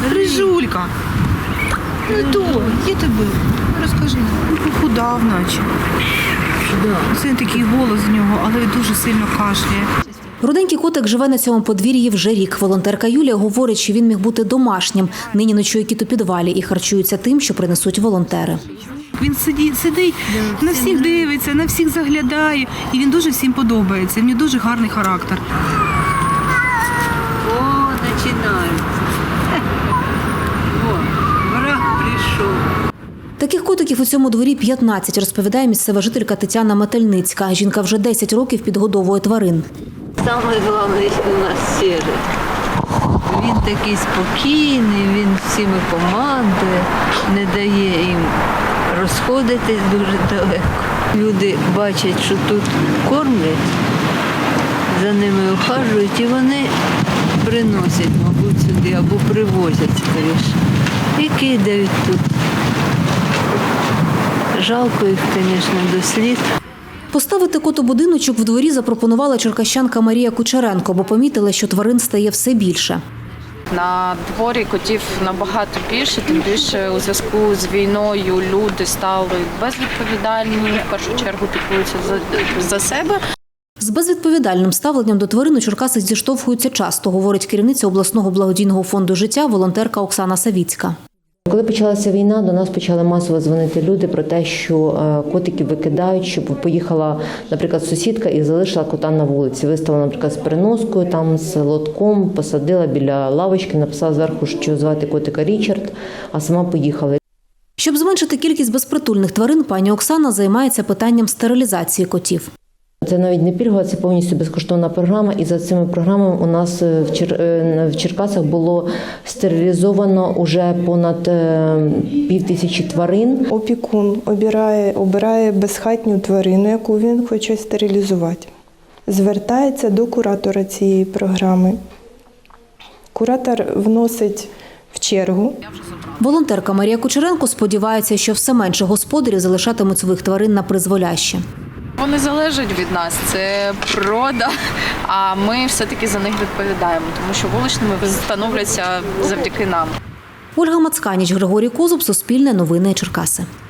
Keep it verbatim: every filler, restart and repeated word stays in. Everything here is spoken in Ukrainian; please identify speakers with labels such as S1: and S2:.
S1: Рижулька. Ну то, є тебе? Розкажи. Похудав наче. Це такий голос з нього, але дуже сильно кашляє.
S2: Руденький котик живе на цьому подвір'ї вже рік. Волонтерка Юлія говорить, що він міг бути домашнім. Нині ночує кіт у підвалі і харчується тим, що принесуть волонтери.
S1: Він сидить, сидить, на всіх дивиться, на всіх заглядає. І він дуже всім подобається. В нього дуже гарний характер.
S3: О, починають. О, враг прийшов.
S2: Таких котиків у цьому дворі п'ятнадцять, розповідає місцева жителька Тетяна Метельницька. Жінка вже десять років підгодовує тварин.
S3: Саме головне у нас Сірий. Він такий спокійний, він всіми командує, не дає їм розходитись дуже далеко. Люди бачать, що тут кормлять, за ними ухажують і вони приносять, мабуть, сюди або привозять скоріше. І кидають тут. Жалко їх, звісно, до сліз.
S2: Поставити котобудиночок в дворі запропонувала черкащанка Марія Кучеренко, бо помітила, що тварин стає все більше.
S4: На дворі котів набагато більше, тим більше у зв'язку з війною люди стали безвідповідальні, в першу чергу піклуються за, за себе.
S2: З безвідповідальним ставленням до тварин у Черкасах зіштовхуються часто, говорить керівниця обласного благодійного фонду життя волонтерка Оксана Савіцька.
S5: Коли почалася війна, до нас почали масово дзвонити люди про те, що котиків викидають, щоб поїхала, наприклад, сусідка і залишила кота на вулиці. Виставила, наприклад, з переноскою, там з лотком, посадила біля лавочки, написала зверху, що звати котика Річард, а сама поїхала.
S2: Щоб зменшити кількість безпритульних тварин, пані Оксана займається питанням стерилізації котів.
S5: Це навіть не пільгова, це повністю безкоштовна програма. І за цими програмами у нас в, Чер... в Черкасах було стерилізовано уже понад пів тисячі тварин.
S6: Опікун обирає, обирає безхатню тварину, яку він хоче стерилізувати. Звертається до куратора цієї програми. Куратор вносить в чергу.
S2: Волонтерка Марія Кучеренко сподівається, що все менше господарів залишатимуть своїх тварин на призволяще.
S4: Вони залежать від нас, це природа, а ми все-таки за них відповідаємо, тому що вуличними становляться завдяки нам.
S2: Ольга Мацканіч, Григорій Козуб, Суспільне новини, Черкаси.